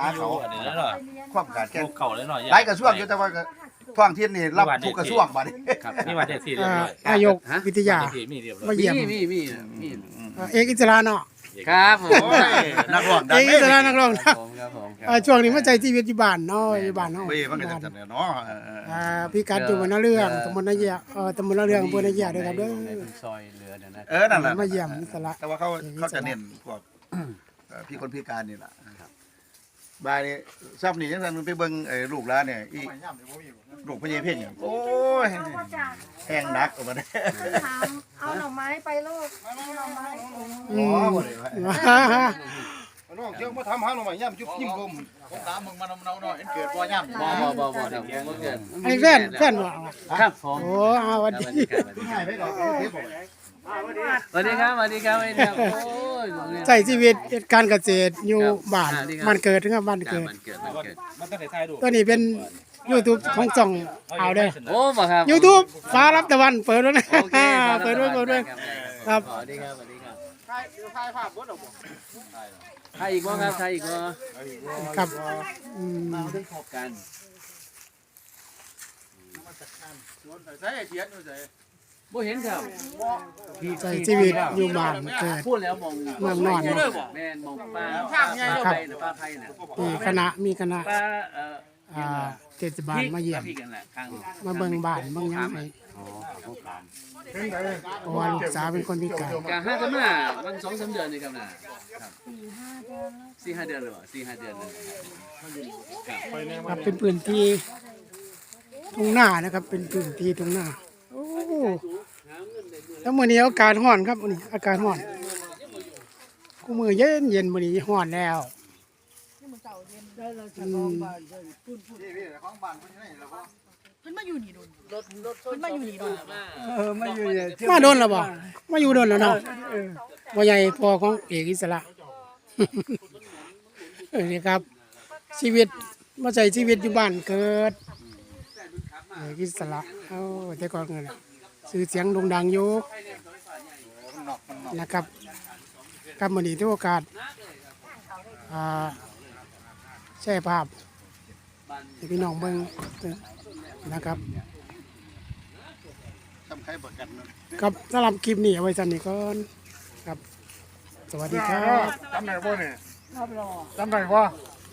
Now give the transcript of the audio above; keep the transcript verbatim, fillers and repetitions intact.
หาเขาอันนี้แล้วเนาะความขาดแคลนเก่าเลยเนาะหลายกระทรวงอยู่แต่ว่าท้องถิ่นนี่รับทุกกระทรวงบัดนี้นี่มาเด็ดสี่เรียบร้อยนายกวิทยามีเรียบร้อยมาเยี่ยมมีมีมีเอกอิสระเนาะครับผมโอ้ยนักร้องดัเอง กอิสระนักร้องครับผมครับผมครับช่วงนี้มาใจชีวิตอยู่บ้านเนาะอยู่บ้านเนาะเว้ยมันก็จะเนาะอ่าพี่กัดอยู่บนนาเรื่องตำบลนาเยียเออตำบลนาเรื่องอำเภอนาเยียด้วยครับเด้อในซอยเรือเนี่ยนะเออนั่นแหละมาเยี่ยมอิสระแต่ว่าเขาเขาจะเน้นพวกพี่คนพิการนี่แหละบายนี่ซับนี่ยังซั่นไปเบิ่งไอ้ลูกหลานเนี่ยอีลูกพญาเพ่งโอ้ยแห้งนักออกมาได้ถามเอาหน่อไม้ไปลูกเอาหน่อไม้อ๋อบ่ได้ว่าน้องเจ้ามาทำหาหน่อไม้ย่ำจุ๊บยิ้มลมผมถามมึงมานำเนาหน่อยเกิดบ่ย่ำบ่บ่บ่บ่ครับผมบ่เกินไอ้แฟนแฟนบ่ครับผมโอ้อาวันดีให้ไปดอกเทปบ่สวัสดีครับสวัสดีครับสวัสดีครับโอ้ยใช้ชีวิตเหตุการณ์เกษตรอยู่บ้านบ้านเกิดถึงกับบ้านเกิดมันเกิดมันเกิดมันต้องใส่ท้ายดูตัวนี้เป็น YouTube ของจ่องเอาเด้อโอ้บ่ครับ YouTube ฟ้ารับตะวันเปิดแล้วนะโอเคครับเปิดด้วยเปิดด้วยครับสวัสดีครับสวัสดีครับถ่ายภาพบ่ดอกบ่ใครอีกบ่ครับใครอีกบ่ครับอืมมาถึงพบกันใส่เทียนอยู่ใส่บ่เห็นครับใช้ชีวิตอยู่บ้านเกิดพูดแล้วมองเมืองนอนแม่นมองป้าป้าไผ่น่ะป้าไผ่น่ะมีคณะมีคณะป้าเอ่ออ่าเทศบาลมาเยี่ยมพี่กันแหละข้างมาเบิ่งบ้านเบิ่งหยังไงเพราะว่าลูกสาวเป็นคนพิการกะห้ากันมาวันสองสามเดือนนี่ครับน่ะครับสี่ห้าเดือนหรือเปล่าสี่ห้าเดือนเลยครับเป็นพื้นที่ทุ่งนานะครับ เป็นพื้นที่ทุ่งนาโอ้แล้วมื้อนี้อากาศร้อนครับมื้อนี้อากาศร้อนกูมื้อเย็นเย็นมื้อนี้ร้อนแล้วอืมเพิ่นมาอยู่นี่โดนรถรถเพิ่นมาอยู่นี่โดนเออมาอยู่มาโดนแล้วบ่มาอยู่โดนแล้วเนาะบ่ใหญ่พอของเอกอิสระ เออนี่ครับ ชีวิตมาใช้ชีวิตอยู่บ้านเกิดเอกอิสระเอ้าแต่ก่อนเงินชื่อเสียงโด่งดังอยู่นะครับกับมื้อนี้ที่โอกาสอ่าแชร์ภาพให้พี่น้องเบิ่งนะครับทำใครบ่กันครับสำหรับคลิปนี้เอาไว้สันนี้ก่อนครับ สวัสดีครับจำได้บ่เนี่ยจำได้บ่